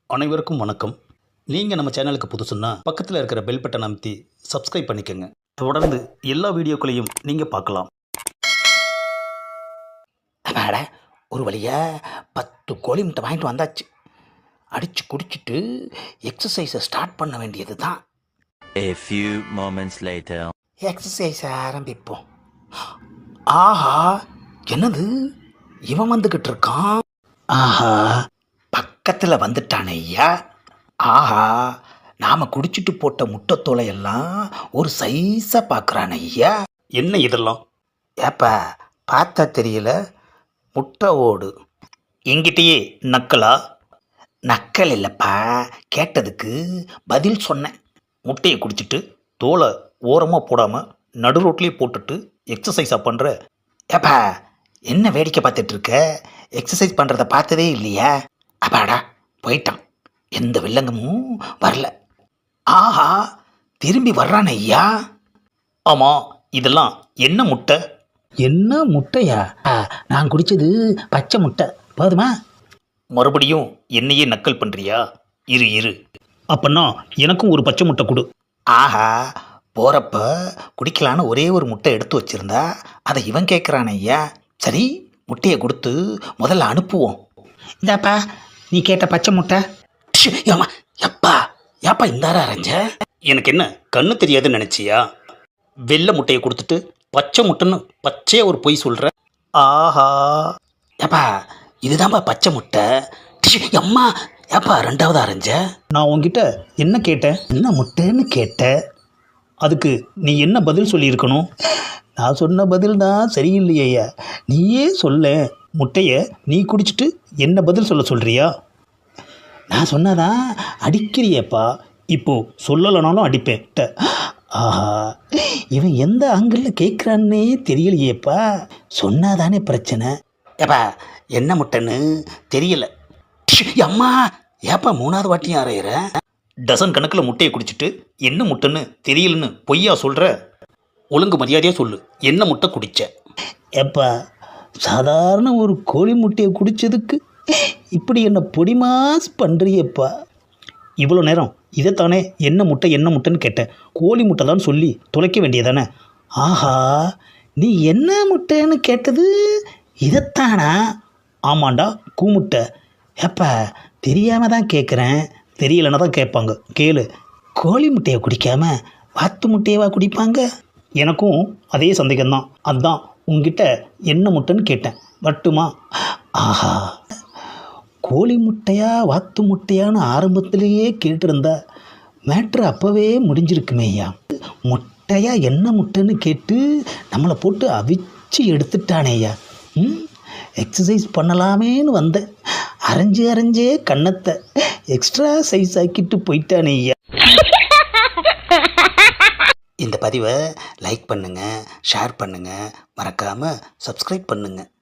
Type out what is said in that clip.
அனைவருக்கும் வணக்கம். நீங்கள் நம்ம சேனலுக்கு புதுசுன்னா பக்கத்தில் இருக்கிற பெல் பட்டன் அமைத்தி சப்ஸ்கிரைப் பண்ணிக்கோங்க. தொடர்ந்து எல்லா வீடியோக்களையும் நீங்கள் பார்க்கலாம். அப்பாட, ஒரு வழியாக 10 கோழி முட்டை வாங்கிட்டு வந்தாச்சு. அடித்து குடிச்சிட்டு எக்ஸசைஸை ஸ்டார்ட் பண்ண வேண்டியது தான். A few moments later. எக்ஸசைஸை ஆரம்பிப்போம். ஆஹா, என்னது இவன் வந்துக்கிட்டு இருக்கான்? ஆஹா, பக்கத்தில் வந்துட்டானே ஐயா. ஆஹா, நாம் குடிச்சிட்டு போட்ட முட்டைத்தோலை எல்லாம் ஒரு சைஸாக பார்க்குறான் ஐயா. என்ன இதெல்லாம்? ஏப்பா, பார்த்தா தெரியல, முட்டை ஓடு. எங்கிட்டயே நக்கலா? நக்கல் இல்லைப்பா, கேட்டதுக்கு பதில் சொன்னேன். முட்டையை குடிச்சிட்டு தோலை ஓரமாக போடாமல் நடு ரோட்லேயே போட்டுட்டு எக்ஸசைஸாக பண்ணுற. ஏப்பா, என்ன வேடிக்கை பார்த்துட்டு இருக்க? எக்ஸசைஸ் பண்ணுறத பார்த்ததே இல்லையா? அப்பாடா, போயிட்டான். எந்த வில்லங்கமும் வரல. ஆஹா, திரும்பி வர்றான் ஐயா. ஆமாம், இதெல்லாம் என்ன முட்டை? என்ன முட்டையா? நான் குடித்தது பச்சை முட்டை, போதுமா? மறுபடியும் என்னையே நக்கல் பண்ணுறியா? இரு அப்பன்னா எனக்கும் ஒரு பச்சை முட்டை கொடு. ஆஹா, போகிறப்ப குடிக்கலான்னு ஒரே ஒரு முட்டை எடுத்து வச்சிருந்தா அதை இவன் கேட்குறான் ஐயா. சரி, முட்டையை கொடுத்து முதல்ல அனுப்புவோம். இந்தாப்பா, நீ கேட்ட பச்சை முட்டை. ஏமா, எப்பா ஏப்பா இந்தாரா அரைஞ்ச? எனக்கு என்ன கண்ணு தெரியாதுன்னு நினச்சியா? வெள்ளை முட்டையை கொடுத்துட்டு பச்சை முட்டைன்னு பச்சையாக ஒரு பொய் சொல்கிற. ஆஹா, ஏப்பா இதுதான்ப்பா பச்சை முட்டை. அம்மா, ஏப்பா ரெண்டாவது அரைஞ்ச? நான் உன்கிட்ட என்ன கேட்டேன்? என்ன முட்டைன்னு கேட்ட? அதுக்கு நீ என்ன பதில் சொல்லியிருக்கணும்? நான் சொன்ன பதில் தான் சரியில்லையா? நீயே சொல்ல. முட்டையை நீ குடிச்சிட்டு என்ன பதில் சொல்கிறியா? நான் சொன்னதான் அடிக்கிறியப்பா. இப்போது சொல்லலைனாலும் அடிப்பேன். ஆஹா, இவன் எந்த ஆங்கிளில் கேட்குறான்னே தெரியலையேப்பா. சொன்னாதானே பிரச்சனை. ஏப்பா, என்ன முட்டைன்னு தெரியல. அம்மா, ஏப்பா மூணாவது வாட்டியும் அரையிற? டசன் கணக்கில் முட்டையை குடிச்சிட்டு என்ன முட்டைன்னு தெரியலன்னு பொய்யா சொல்கிற? ஒழுங்கு மரியாதையாக சொல்லு, என்ன முட்டை குடிச்ச? ஏப்பா, சாதாரண ஒரு கோழி முட்டையை குடித்ததுக்கு இப்படி என்ன பொடிமாஸ் பண்ணுறியப்பா. இவ்வளோ நேரம் இதைத்தானே என்ன முட்டைன்னு கேட்டேன். கோழி முட்டை தான் சொல்லி தொலைக்க வேண்டியதானே? ஆஹா, நீ என்ன முட்டைன்னு கேட்டது இதைத்தானா? ஆமாண்டா, கூமுட்டை. ஏப்பா, தெரியாமல் தான் கேட்குறேன். தெரியலன்னா தான் கேட்பாங்க, கேளு. கோழி முட்டையை குடிக்காம வாத்து முட்டையவா குடிப்பாங்க? எனக்கும் அதே சந்தேகம்தான். அதுதான் உங்ககிட்ட என்ன முட்டைன்னு கேட்டேன். மட்டுமா? ஆஹா, கோழி முட்டையா வாத்து முட்டையான்னு ஆரம்பத்திலேயே கேட்டிருந்தா மேட்ரு அப்போவே முடிஞ்சிருக்குமேய்யா. முட்டையா என்ன முட்டைன்னு கேட்டு நம்மளை போட்டு அவிச்சு எடுத்துட்டானேய்யா. எக்ஸசைஸ் பண்ணலாமேன்னு வந்தேன், அரைஞ்சே கன்னத்தை எக்ஸ்ட்ரா சைஸ் ஆக்கிட்டு போயிட்டானேய்யா. இந்த பதிவை லைக் பண்ணுங்கள், ஷேர் பண்ணுங்கள், மறக்காமல் சப்ஸ்கிரைப் பண்ணுங்கள்.